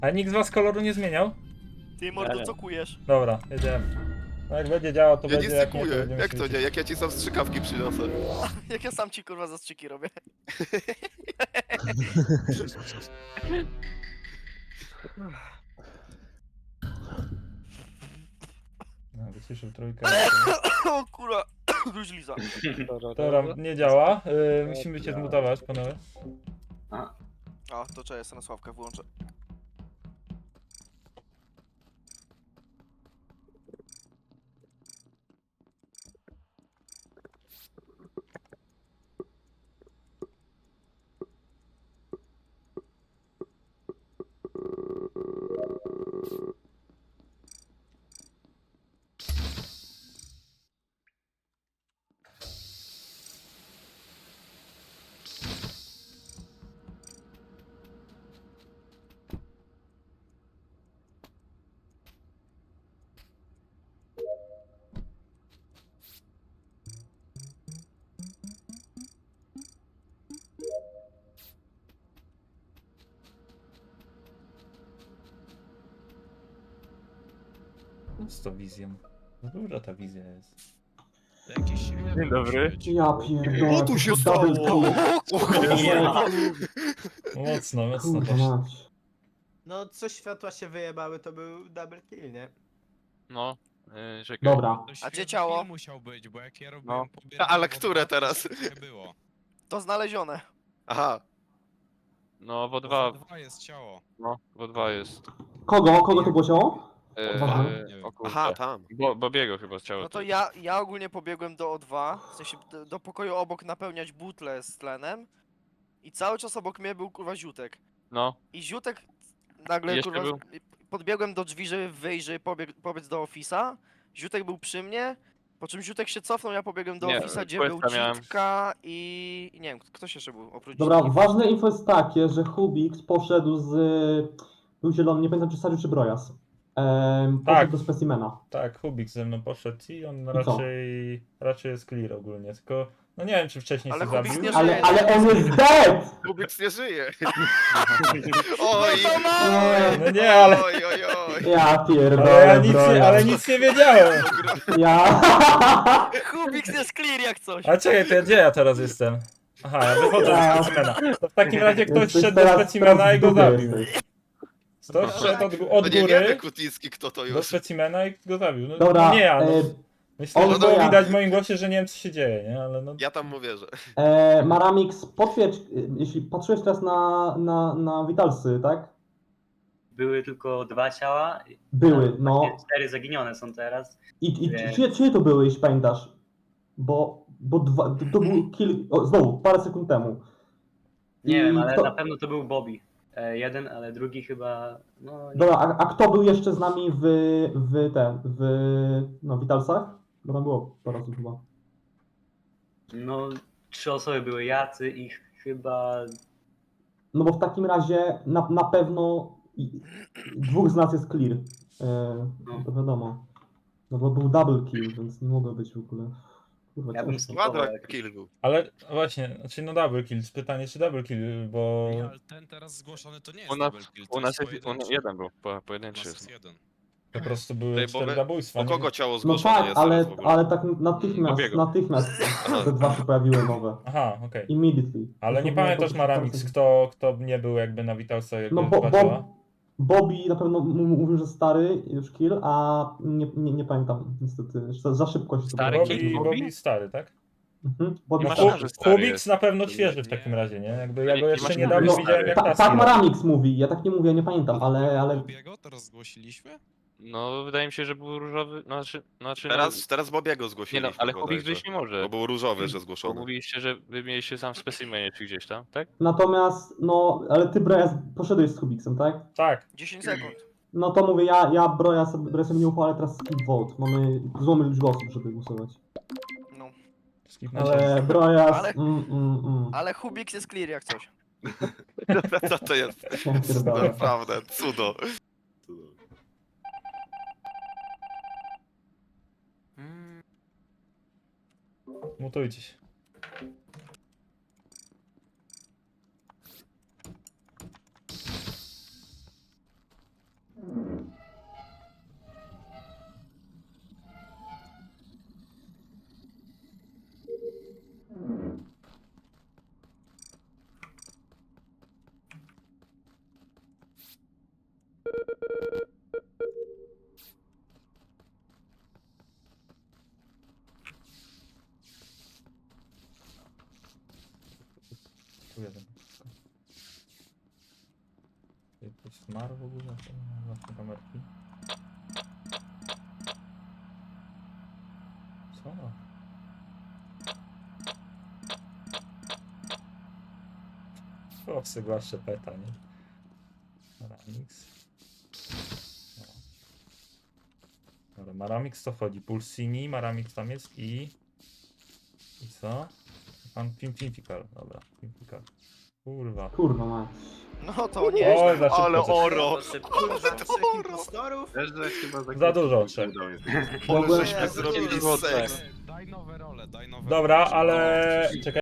A nikt z was koloru nie zmieniał? Ty mordo, co kujesz? Dobra, jedziemy. No jak będzie działał, to Ja będzie, nie jak nie, to sykuję. będziemy Jak to świecić. nie? Jak ja ci sam strzykawki przyniosę. Jak ja sam ci kurwa zastrzyki robię. No, wyciszył trójkę. O kurwa, gruźliza. Dobra, nie działa. Musimy cię zmutować, panowie. A, to czekaj, ja na Sławkę wyłączę. Z tą wizją. No duża ta wizja jest. Jakiś Dzień dobry. Ja pierdolę. O, tu się double stało! kill. Mocno, mocno Kurwa poszło. mać. No, co światła się wyjebały, to był double kill, nie? No, czekaj. Dobra. To A gdzie świetny ciało? film musiał być, bo jak ja robiłem No. pobieranie, Ale to które to teraz? Nie było. To znalezione. Aha. No, w Bo O2, dwa jest ciało. no, w O2 jest. Kogo to było ciało? E, Nie wiem. o kurde. Aha, tam. Bobiego chyba chciało. No to ja ogólnie pobiegłem do O2, w sensie do pokoju obok napełniać butle z tlenem. I cały czas obok mnie był kurwa Ziutek. No, I Ziutek nagle Jeszcze kurwa... był? Podbiegłem do drzwi, żeby wyjść, żeby pobiec do Office'a. Ziutek był przy mnie, po czym Ziutek się cofnął, ja pobiegłem do Nie, Office'a, gdzie questa był miałem. Dzitka i... nie wiem, ktoś jeszcze był oprócz Dobra, Dzitki. ważne info jest takie, że Hubix poszedł z... Był zielony, nie pamiętam czy Sariu czy Brojas. Tak. Poszedł do specimena. Tak, Hubik ze mną poszedł i on co? raczej jest clear ogólnie, tylko no nie wiem czy wcześniej Ale się Hubik zabił. nie Ale on jest dead! Kubiks nie żyje. Oj. No to mamy! No nie, ale, Oj, oj, oj. Ja pierdolę, ale, ja nic nie, Brojas. ale nic nie wiedziałem. Ja... Kubiks jest clear jak coś. A czekaj, to gdzie ja teraz jestem? Aha, ja wychodzę ze specimena. To w takim razie ktoś Jesteś szedł do teraz specimena i go w dupie zabił. jesteś. Ktoś szedł od No nie wiemy, góry Kutnicki, kto to do już. specimena i go zabił. No, Dobra, no nie ja, no. Myślę, że on było ja. widać w moim głosie, że nie wiem co się dzieje, nie? Ale no... Ja tam mówię, że. Maramix, potwierdź, jeśli patrzyłeś teraz na Witalsy, tak? Były tylko 2 ciała. Były, no. Właściwie 4 zaginione są teraz. I Nie. czyje to były, jeśli pamiętasz? Bo to był kill, znowu, parę sekund temu. Nie I wiem, ale kto- na pewno to był Bobby. Jeden, ale drugi chyba. No, nie. Dobra, a kto był jeszcze z nami w Witalsach? Bo tam było parę osób chyba. No 3 osoby były jacy i chyba. No bo w takim razie na pewno dwóch z nas jest clear. To wiadomo. No bo był double kill, więc nie mogło być w ogóle. Kurwa, Ja bym ciężko. Kwadra spróbował. kill był. Ale właśnie, znaczy no double kill, pytanie czy double kill, bo... Ej, ale ten teraz zgłoszony to nie jest u nas, double kill, to u nas jest pojedynczy. jeden był, U pojedynczy nas jest. jest jeden. Po prostu były Bo 4 my- zabójstwa. O nie kogo wiem. ciało No zgłoszone tak, jest teraz w ogóle? ale tak natychmiast Bobiego. te dwa się pojawiły nowe. Aha, okej. Immediately. Ale nie Dosłownie pamiętasz po- Maramix, kto nie był jakby na Witalsa, jak No go zobaczyła? Bobby na pewno mówił, że stary już kill, a nie pamiętam niestety. Za szybko się Stary to kill? Bobby stary, tak? Bobby Nie No, ma stary. szans, że stary Kubiks jest. na pewno świeży w takim razie, nie? Jakby ja Nie- go nie jeszcze masz niedawno szans, widziałem stary. jak Tak Taski. Maramix mówi, ja tak nie mówię, nie pamiętam, ale Bobiego teraz zgłosiliśmy? No, wydaje mi się, że był różowy, znaczy Teraz Bobiego nie zgłosiliśmy. no, ale Kubik bodajże. wyjść nie może. Bo był różowy, że Bo zgłoszony. mówiliście, że wy mieliście sam w specimenie czy gdzieś tam, tak? natomiast, no, ale ty Brojas poszedłeś z Kubiksem, tak? Tak, 10 sekund. No to mówię, ja Brojasem nie ufam, ale teraz skip vote. Mamy złą liczbę osób, żeby głosować. No. skipnąłem. Ale Brojas, Ale- mm. Ale Hubik jest clear jak coś. Co to jest? Ja pierdolę. Naprawdę, cudo. Mutujcie się. w ogóle? Właśnie kamerki. Co? O, zwłaszcza peta, nie? Maramix. No. Dobra, Maramix to wchodzi. Pulsini, Maramix tam jest i... I co? Pan Pimpical, dobra, Pimpical. Kurwa. Kurwa mać. No to nie. Oj, za szybko Ale coś. oro! Kurwa, trzech impostorów? Wiesz, że chyba Za dużo trzech. Mogłem- Żeśmy zrobili seks. Daj nowe role, daj nowe Dobra, role, ale... Czekaj.